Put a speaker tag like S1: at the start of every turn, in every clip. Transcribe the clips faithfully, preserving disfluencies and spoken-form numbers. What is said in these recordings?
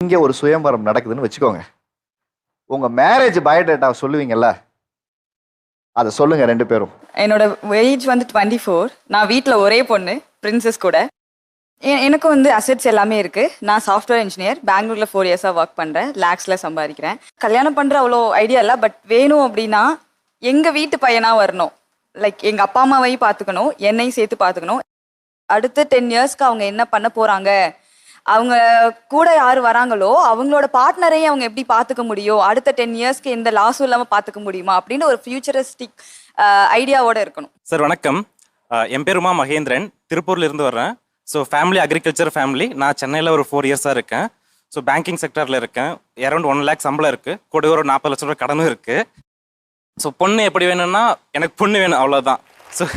S1: இங்கே ஒரு சுயம்பரம் நடக்குதுன்னு வச்சுக்கோங்க. உங்க மேரேஜ் பயோடேட்டா சொல்லுவீங்கல்ல, அதை சொல்லுங்க ரெண்டு பேரும்.
S2: என்னோட ஏஜ் வந்து டுவெண்ட்டி ஃபோர். நான் வீட்டில் ஒரே பொண்ணு, பிரின்சஸ் கூட. எனக்கும் வந்து அசெட்ஸ் எல்லாமே இருக்கு. நான் சாஃப்ட்வேர் இன்ஜினியர், பெங்களூர்ல ஃபோர் இயர்ஸா ஒர்க் பண்றேன். லேக்ஸ்ல சம்பாதிக்கிறேன். கல்யாணம் பண்ற அவ்வளோ ஐடியா இல்லை. பட் வேணும் அப்படின்னா எங்க வீட்டு பையனா வரணும். லைக் எங்க அப்பா அம்மாவையும் பார்த்துக்கணும், என்னையும் சேர்த்து பார்த்துக்கணும். அடுத்த டென் இயர்ஸ்க்கு அவங்க என்ன பண்ண போறாங்க, அவங்க கூட யார் வராங்களோ அவங்களோட பார்ட்னரையும் அவங்க எப்படி பார்த்துக்க முடியும், அடுத்த டென் இயர்ஸ்க்கு எந்த லாஸும் இல்லாமல் பார்த்துக்க முடியுமா அப்படின்னு ஒரு ஃபியூச்சரிஸ்டிக் ஐடியாவோட இருக்கணும்.
S3: சார் வணக்கம், என் பேர் உமா மகேந்திரன், திருப்பூர்ல இருந்து வர்றேன். So family agriculture family. நான் சென்னையில் ஒரு ஃபோர் இயர்ஸாக இருக்கேன். ஸோ பேங்கிங் செக்டரில் இருக்கேன். அரௌண்ட் ஒன் லேக் சம்பளம் இருக்குது, கூட ஒரு நாற்பது லட்சம் ரூபாய் கடனும் இருக்குது. ஸோ பொண்ணு எப்படி வேணும்னா எனக்கு பொண்ணு வேணும், அவ்வளோதான். ஸோ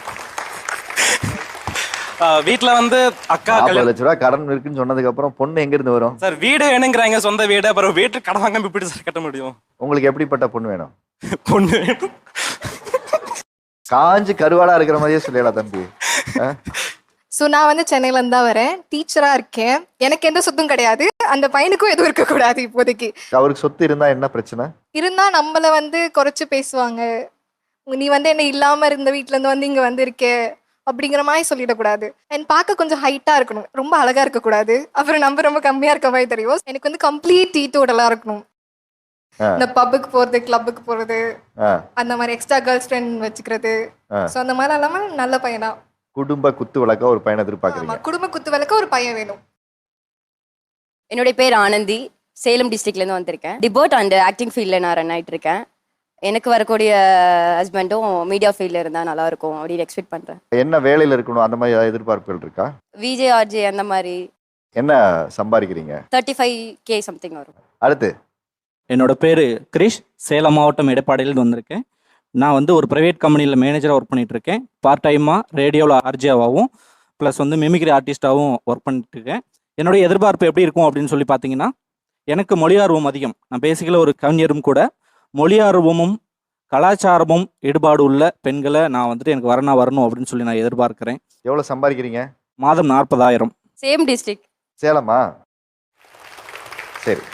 S3: வீட்டில் வந்து அக்கா
S1: நாற்பது லட்ச ரூபா கடன் இருக்குன்னு சொன்னதுக்கு அப்புறம் பொண்ணு எங்க இருந்து வரும்
S3: சார்? வீடு வேணுங்கிறாங்க, சொந்த வீடு. அப்புறம் வீட்டுக்கு கடன் வாங்க எப்படி சார் கட்ட முடியும்?
S1: உங்களுக்கு எப்படிப்பட்ட பொண்ணு வேணும்?
S3: பொண்ணு வேணும்
S1: காஞ்சு கருவாடா இருக்கிற மாதிரியே சொல்லிடலாம் தம்பி.
S4: ஸோ நான் வந்து சென்னையிலேருந்து தான் வரேன், டீச்சராக இருக்கேன். எனக்கு எந்த சொத்தும் கிடையாது, அந்த பையனுக்கும் எதுவும் இருக்கக்கூடாது இப்போதைக்கு.
S1: அவருக்கு சொத்து இருந்தா என்ன பிரச்சனை?
S4: இருந்தால் நம்மளை வந்து குறைச்சி பேசுவாங்க. நீ வந்து என்ன இல்லாமல் இருந்த வீட்டிலேருந்து வந்து இங்கே வந்து இருக்கே அப்படிங்கிற மாதிரி சொல்லிடக்கூடாது. அண்ட் பார்க்க கொஞ்சம் ஹைட்டாக இருக்கணும், ரொம்ப அழகாக இருக்கக்கூடாது. அப்புறம் நம்ம ரொம்ப கம்மியாக இருக்க மாதிரி தெரியும். எனக்கு வந்து கம்ப்ளீட் டீட்டோடலாக இருக்கணும். இந்த பப்புக்கு போகிறது, கிளப்புக்கு போகிறது, அந்த மாதிரி எக்ஸ்ட்ரா கேர்ள் ஃப்ரெண்ட் வச்சுக்கிறது. ஸோ அந்த மாதிரி இல்லாமல் நல்ல பையனா,
S1: குடும்ப குத்து விளக்க ஒரு பையனை எதிர்பார்க்குறீங்க.
S4: குடும்ப குத்து விளக்க ஒரு பையன் வேணும்.
S5: என்னுடைய பேர் ஆனந்தி, சேலம் டிஸ்ட்ரிக்ட்லேருந்து வந்திருக்கேன். டிபோட் அண்ட் ஆக்டிங் ஃபீல்டில் நான் ரன் ஆகிட்டு இருக்கேன். எனக்கு வரக்கூடிய ஹஸ்பண்டும் மீடியா ஃபீல்டில் இருந்தால் நல்லா இருக்கும் அப்படின்னு எக்ஸ்பெக்ட் பண்ணுறேன். என்ன
S1: வேலையில் இருக்கணும் அந்த மாதிரி ஏதாவது எதிர்பார்ப்புகள் இருக்கா?
S5: விஜே ஆர்ஜே அந்த மாதிரி.
S1: என்ன சம்பாதிக்கிறீங்க?
S5: தேர்ட்டி ஃபைவ் கே சம்திங் வரும்.
S1: அடுத்து,
S6: என்னோட பேர் கிரிஷ், சேலம் மாவட்டம் எடப்பாடியிலேருந்து வந்திருக்கேன். நான் வந்து ஒரு ப்ரைவேட் கம்பெனியில் மேனேஜராக ஒர்க் பண்ணிகிட்டு இருக்கேன். பார்ட் டைமாக ரேடியோவில் ஆர்ஜியாவாகவும் ப்ளஸ் வந்து மிமிக்ரி ஆர்டிஸ்டாகவும் ஒர்க் பண்ணிட்டு இருக்கேன். என்னுடைய எதிர்பார்ப்பு எப்படி இருக்கும் அப்படின்னு சொல்லி பார்த்தீங்கன்னா, எனக்கு மொழி ஆர்வம் அதிகம். நான் பேசிக்கலாக ஒரு கவிஞரும் கூட. மொழி ஆர்வமும் கலாச்சாரமும் ஈடுபாடு உள்ள பெண்களை நான் வந்துட்டு எனக்கு வரணும் வரணும் அப்படின்னு சொல்லி நான் எதிர்பார்க்குறேன்.
S1: எவ்வளோ சம்பாதிக்கிறீங்க?
S6: மாதம் நாற்பதாயிரம்.
S5: Same district.
S1: சேலமா? சரி.